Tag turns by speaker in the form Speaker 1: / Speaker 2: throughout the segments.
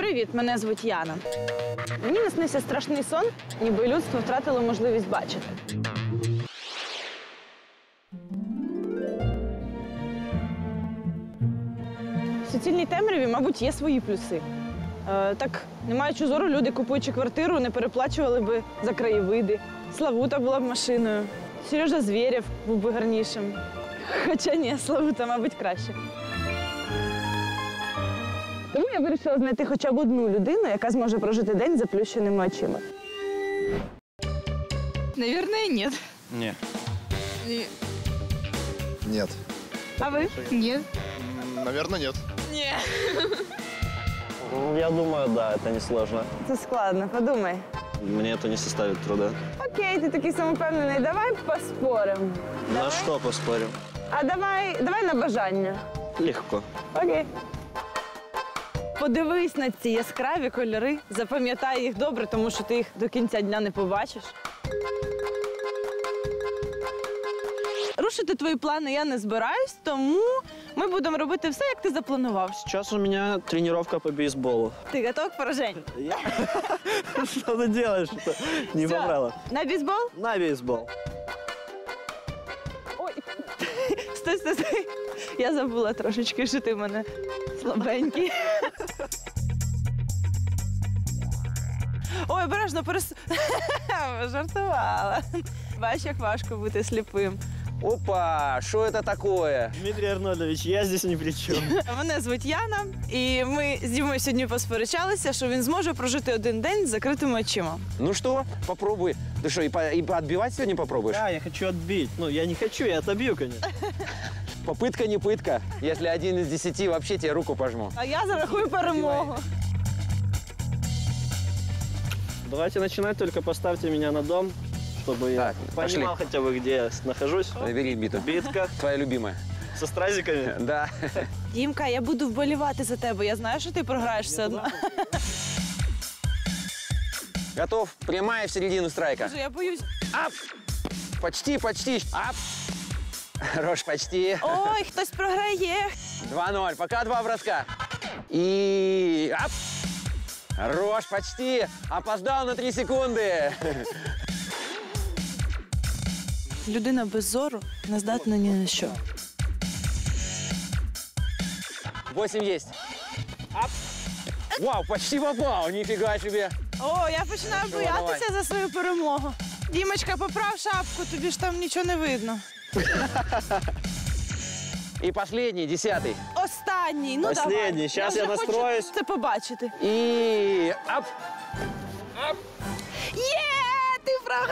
Speaker 1: Привіт, мене звуть Яна. Мені наснився страшний сон, ніби людство втратило можливість бачити. В суцільній темряві, мабуть, є свої плюси. Так, не маючи зору, люди, купуючи квартиру, не переплачували би за краєвиди. Славута була б машиною. Сережа Звєрєв був би гарнішим. Хоча ні, Славута, мабуть, краще. Тому я вирішила знайти хоча б одну людину, яка зможе прожити день з заплющеними очима.
Speaker 2: Наверное, нет.
Speaker 3: Не.
Speaker 4: Нет.
Speaker 1: А ви?
Speaker 2: Нет.
Speaker 4: Наверное, нет.
Speaker 3: Я думаю, да, это несложно.
Speaker 1: Це складно, подумай.
Speaker 3: Мне это не составит труда.
Speaker 1: Окей, ти такий самовпевнений, давай поспоримо.
Speaker 3: На что поспорим?
Speaker 1: А давай на бажання.
Speaker 3: Легко.
Speaker 1: Окей. Подивись на ці яскраві кольори, запам'ятай їх добре, тому що ти їх до кінця дня не побачиш. Рушити твої плани я не збираюсь, тому ми будемо робити все, як ти запланував.
Speaker 3: Сейчас у меня тренировка по бейсболу.
Speaker 1: Ти готов к пораженню?
Speaker 3: Что ты делаешь? Не
Speaker 1: Всё.
Speaker 3: побрала.
Speaker 1: На бейсбол?
Speaker 3: На бейсбол.
Speaker 1: Ой, стой. Я забула трошечки, що ти в мене слабенький. Ой, обережно, жартувала. Бачиш, як важко бути сліпим.
Speaker 5: Опа, что это такое?
Speaker 3: Дмитрий Арнольдович, я здесь ни при чем.
Speaker 1: Мене звуть Яна, і ми з Дімою сьогодні посперечалися, що він зможе прожити один день з закритими очима.
Speaker 5: Ну что, попробуй. Ты что, и отбивать сегодня попробуешь?
Speaker 3: Да, я хочу отбить. Ну, я не хочу, я отобью, конечно.
Speaker 5: Попытка не пытка. Если 1 из 10, вообще тебе руку пожму.
Speaker 1: А я зарахую перемогу.
Speaker 3: Давайте начинать, только поставьте меня на дом, чтобы я
Speaker 5: Так, пошли.
Speaker 3: понимал хотя бы, где я нахожусь.
Speaker 5: Набери биту.
Speaker 3: Битка
Speaker 5: Твоя любимая.
Speaker 3: со стразиками.
Speaker 5: Да.
Speaker 1: Дімка, я буду вболівати за тебе. Я знаю, що ти програєш все одно.
Speaker 5: Готов? Прямая в середину страйка.
Speaker 1: Я боюсь.
Speaker 5: Ап! Почти. Ап! Хорош, почти.
Speaker 1: Ой, хтось програє.
Speaker 5: 2-0. Пока 2 броска. И... Ап! Хорош, почти. Опоздал на 3 секунды.
Speaker 1: Людина без зору не здатна ні на що.
Speaker 5: 8 есть. Ап! Вау, почти попал. Нифига себе.
Speaker 1: О, я починаю боятися за свою перемогу. Дімочка, поправ шапку, тобі ж там нічого не видно.
Speaker 5: И последний, 10-й.
Speaker 1: Останній, ну
Speaker 3: Последній,
Speaker 1: давай.
Speaker 3: щас я
Speaker 1: вже
Speaker 3: настроюсь.
Speaker 1: хочу це побачити.
Speaker 5: И... Ап!
Speaker 1: Є! Ти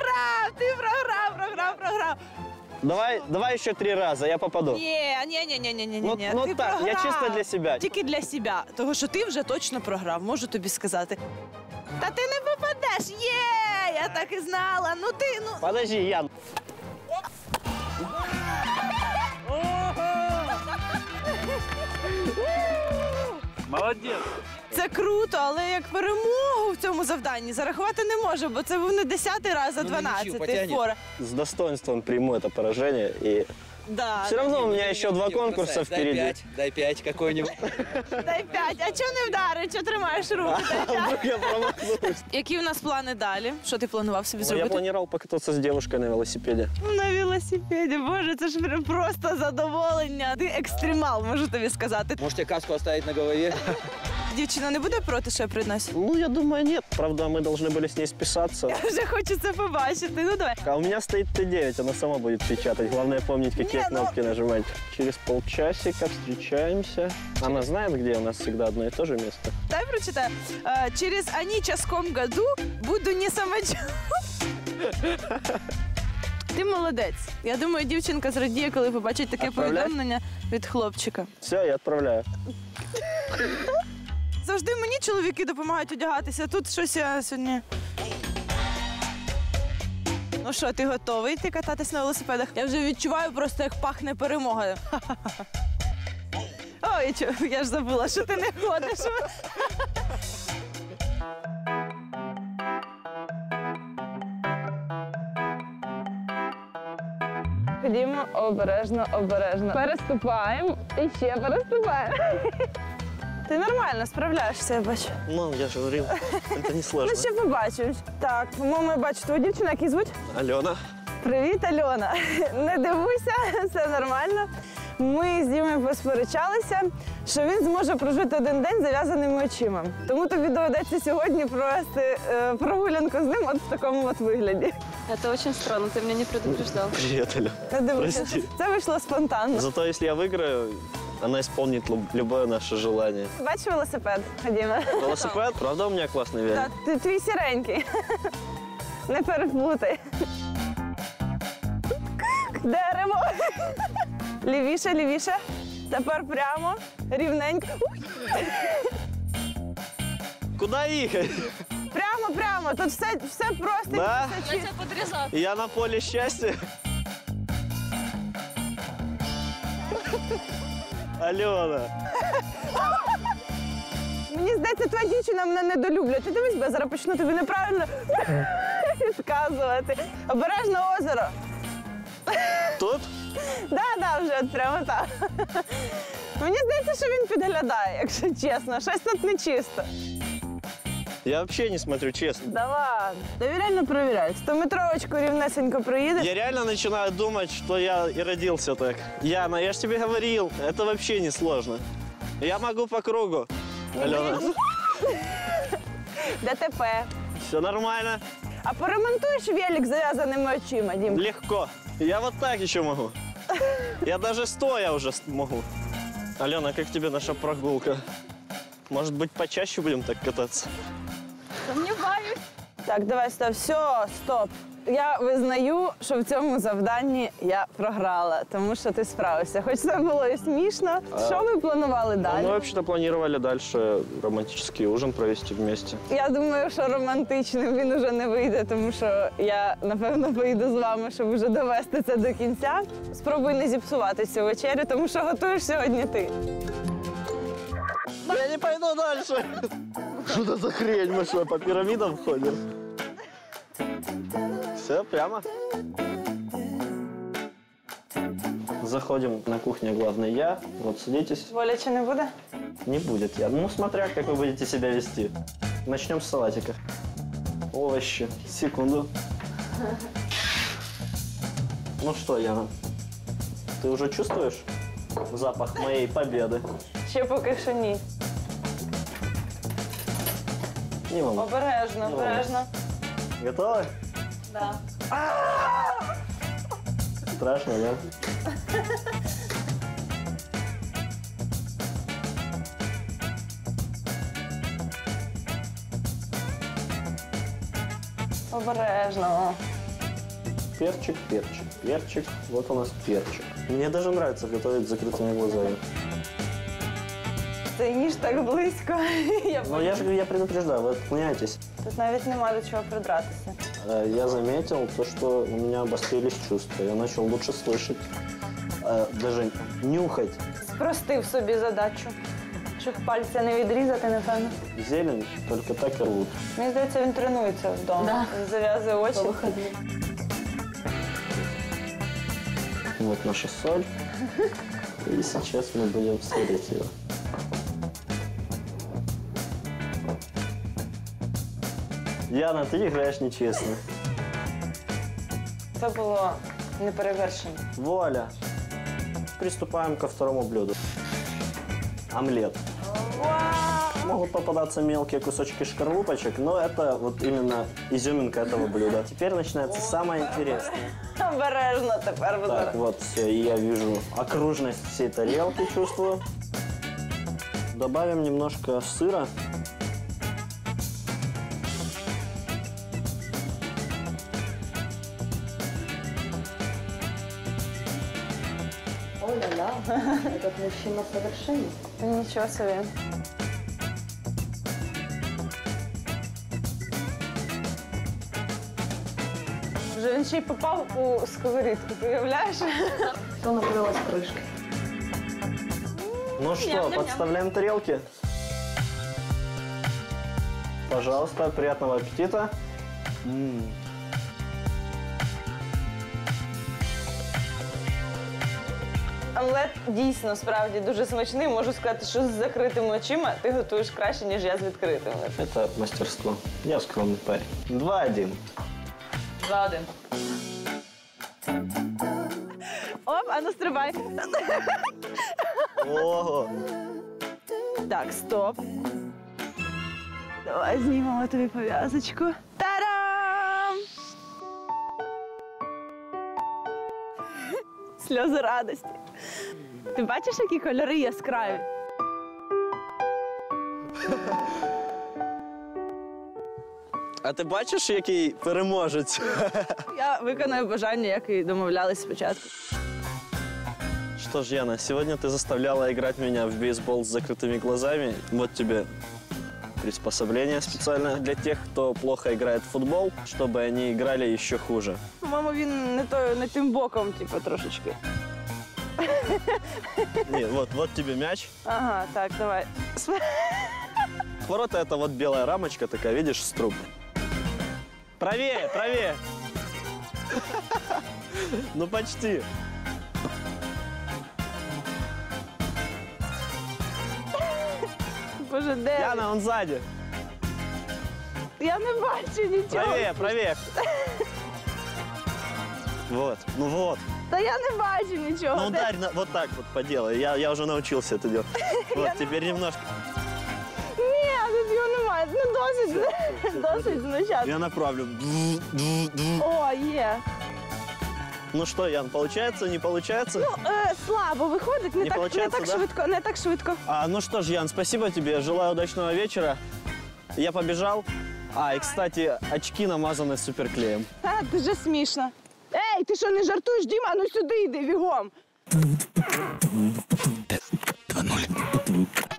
Speaker 1: програв!
Speaker 3: Давай еще 3 раза, я попаду.
Speaker 1: Ні.
Speaker 3: Ну
Speaker 1: Ти
Speaker 3: так, я
Speaker 1: програв.
Speaker 3: чисто для себя.
Speaker 1: Тільки для себе, тому що ти вже точно програв, можу тобі сказати. Та ти не попадеш! Є! Я так і знала. Ну ти, ну...
Speaker 3: Подожди, Ян. Молодец.
Speaker 1: Це круто, але як перемогу в цьому завданні зарахувати не можу, бо це був не 10-й раз, а 12-й фора.
Speaker 3: С достоинством приму это поражение. И
Speaker 1: Да.
Speaker 3: все равно у меня еще 2 конкурса впереди.
Speaker 5: Дай 5 какой-нибудь.
Speaker 1: Дай 5. А чого не вдарить? Чого тримаєш руки? Дай 5.
Speaker 3: Вдруг я промахнусь.
Speaker 1: Які у нас плани далі? Що ти планував собі
Speaker 3: Я
Speaker 1: зробити?
Speaker 3: планировал покататься с девушкой на велосипеде.
Speaker 1: На велосипеді. Боже, це ж прям просто задоволення. Ти екстремал, можу тобі сказати.
Speaker 5: Можете каску оставить на голове?
Speaker 1: Дівчина не буде проти, що я приношу?
Speaker 3: Ну, я думаю, нет. Правда, мы должны были с ней списаться.
Speaker 1: Я вже хочу це побачити. Ну давай.
Speaker 3: А у меня стоит Т9, она сама будет печатать. Главное помнить, какие
Speaker 1: Не, ну-
Speaker 3: кнопки нажимать. Через полчасика встречаемся. Она знает, где у нас всегда одно и то же место.
Speaker 1: Дай прочитаю. Через анічаском году буду не самочу. Ти молодець. Я думаю, дівчинка зрадіє, коли побачить таке
Speaker 3: Отправляй.
Speaker 1: повідомлення від хлопчика.
Speaker 3: Все, я отправляю.
Speaker 1: Завжди мені чоловіки допомагають одягатися. Тут щось я сьогодні. Ну що, ти готовий йти кататись на велосипедах? Я вже відчуваю просто, як пахне перемога. Ой, я ж забула, що ти не ходиш. Ходімо обережно. Переступаємо і ще переступаємо. Ти нормально справляєшся, я бачу.
Speaker 3: Ну, я же говорил, это не сложно.
Speaker 1: Ну, ще побачимо. Так, по-моєму, я бачу твою дівчину, як її звуть?
Speaker 3: Алена.
Speaker 1: Привіт, Альона. Не дивуйся, все нормально. Ми з Дімою посперечалися, що він зможе прожити один день зав'язаними очима. Тому тобі доведеться сьогодні провести прогулянку з ним от в такому от вигляді.
Speaker 2: Это очень странно, ты меня не предупреждал.
Speaker 3: Привет, Алена.
Speaker 1: Не дивуйся,
Speaker 3: Прости.
Speaker 1: це вийшло спонтанно.
Speaker 3: Зато если я выиграю, она исполнит любое наше желание.
Speaker 1: Бачиш велосипед? Ходімо.
Speaker 3: Велосипед? Правда у меня классный велик?
Speaker 1: Так, ти твій сіренький. Не переплутай. Дерево. Лівіше, лівіше. Тепер прямо, рівненько.
Speaker 3: Куда ехать?
Speaker 1: Прямо, прямо. Тут все просто.
Speaker 3: Да?
Speaker 1: все чисто.
Speaker 2: подрезал.
Speaker 3: Я на поле счастья? Алена.
Speaker 1: Мені здається, твоя дівчина мене недолюблює. Ти дивись, бо я зараз почну тобі неправильно відказувати. Обережно озеро.
Speaker 3: Тут?
Speaker 1: Да, вже от прямо так. Мені здається, що він підглядає, якщо чесно. Щось тут нечисто.
Speaker 3: Я вообще не смотрю, честно.
Speaker 1: Да ладно. Довіряй, перевіряй. 100-метровочку рівнесенько проїдеш.
Speaker 3: Я реально начинаю думать, что я и родился так. Яна, я ж тебе говорил, это вообще не сложно. Я могу по кругу. Алена,
Speaker 1: ДТП.
Speaker 3: все нормально,
Speaker 1: А поремонтуєш велик з зав'язаними очима, Дім?
Speaker 3: легко. Я вот так еще могу. Я даже стоя уже могу. Алена, как тебе наша прогулка? Может быть, почаще будем так кататься?
Speaker 2: Сомневаюсь.
Speaker 1: Так, давай, стоп. Все, стоп. Я визнаю, що в цьому завданні я програла, тому що ти справився. Хоч це було і смішно. Що ви планували
Speaker 3: Мы
Speaker 1: далі?
Speaker 3: вообще-то планировали дальше романтический ужин провести вместе.
Speaker 1: Я думаю, що романтичним він уже не вийде, тому що я, напевно, поїду з вами, щоб вже довести це до кінця. Спробуй не зіпсувати цю вечерю, тому що готуєш сьогодні ти.
Speaker 3: Я не пойду дальше. Что это за хрень? Мы что, по пирамидам ходим? Все, прямо. Заходим на кухню, главный я. Вот садитесь.
Speaker 1: Боляче не буде?
Speaker 3: Не будет я. Ну, смотря, как вы будете себя вести. Начнем с салатика. Овощи. Секунду. Ну что, Яна, ты уже чувствуешь запах моей победы?
Speaker 1: Ще поки що ні.
Speaker 3: Не волнуйся.
Speaker 1: Обережно, обережно.
Speaker 3: Готовы?
Speaker 2: Да.
Speaker 3: Страшно, да?
Speaker 1: Обережно.
Speaker 3: Перчик, перчик, перчик. Вот у нас перчик. Мне даже нравится готовить с закрытыми глазами.
Speaker 1: Цей ніж так близько.
Speaker 3: Но я же говорю, я предупреждаю, вы отклоняетесь.
Speaker 1: Тут навіть нема до чого придратися.
Speaker 3: Я заметил то, что у меня обострились чувства. Я начал лучше слышать, даже нюхать.
Speaker 1: Спростив собі задачу. Щоб пальця не відрізати, напевно.
Speaker 3: Зелень только так и рвут.
Speaker 1: Мені здається, він тренується вдома.
Speaker 2: Да.
Speaker 1: Він зав'язує очі.
Speaker 3: Вот наша соль. И сейчас мы будем солить ее. Яна, ты играешь нечестно.
Speaker 1: Це було неперевершено.
Speaker 3: Вуаля. Приступаем ко второму блюду. Омлет. Могут попадаться мелкие кусочки шкарлупочек, но это вот именно изюминка этого блюда. Теперь начинается самое интересное.
Speaker 1: Обережно тепер буде.
Speaker 3: Так, вот все, и я вижу окружность всей тарелки, чувствую. Добавим немножко сыра.
Speaker 2: Ой-ля-ля, этот мужчина совершенен.
Speaker 1: Нічого собі. Вже він ще й попав у сковорідку, ти уявляєш?
Speaker 2: Все накрылось крышкой.
Speaker 3: Ну что, подставляем тарелки. Пожалуйста, приятного аппетита.
Speaker 1: омлет дійсно, справді, дуже смачний. Можу сказати, що з закритими очима ти готуєш краще, ніж я з відкритими.
Speaker 3: Это мастерство. Я скромный парень. 2-1.
Speaker 1: 2-1. Оп, а ну стрибай.
Speaker 3: Ого.
Speaker 1: Так, стоп. Давай знімемо тобі пов'язочку. Та-дам! Сльози радості. Ти бачиш, які кольори яскраві?
Speaker 3: А ти бачиш, який переможець?
Speaker 1: Я виконаю бажання, як і домовлялись спочатку.
Speaker 3: Что ж, Яна, сегодня ты заставляла играть меня в бейсбол с закрытыми глазами. Вот тебе приспособление специально для тех, кто плохо играет в футбол, чтобы они играли еще хуже.
Speaker 1: По-моєму, він не тим боком, типу, трошечки.
Speaker 3: Не, вот тебе мяч.
Speaker 1: Ага, так, давай.
Speaker 3: Ворота — это вот белая рамочка такая, видишь, с труб. Правее, правее. Ну, почти.
Speaker 1: Боже, де?
Speaker 3: Яна, он сзади.
Speaker 1: Я не бачу нічого.
Speaker 3: Правее, правее. Вот, ну вот.
Speaker 1: Та я не бачу нічого.
Speaker 3: Ну,
Speaker 1: Де?
Speaker 3: ударь вот так вот поделай. Я уже научился это делать. Вот, теперь немножко.
Speaker 1: Ні, тут його немає. Ну, досить знущати.
Speaker 3: Я направлю.
Speaker 1: О, є.
Speaker 3: Ну что, Ян, получается, не получается?
Speaker 1: Ну, слабо виходить,
Speaker 3: Не получається,
Speaker 1: так
Speaker 3: да?
Speaker 1: швидко, не так швидко.
Speaker 3: Ну что ж, Ян, спасибо тебе. Желаю удачного вечера. Я побежал. И, кстати, очки намазаны суперклеем.
Speaker 1: Та, дуже смішно. Ей, ти що, не жартуєш, Діма? Ну сюди йди, бігом.
Speaker 5: 2-0.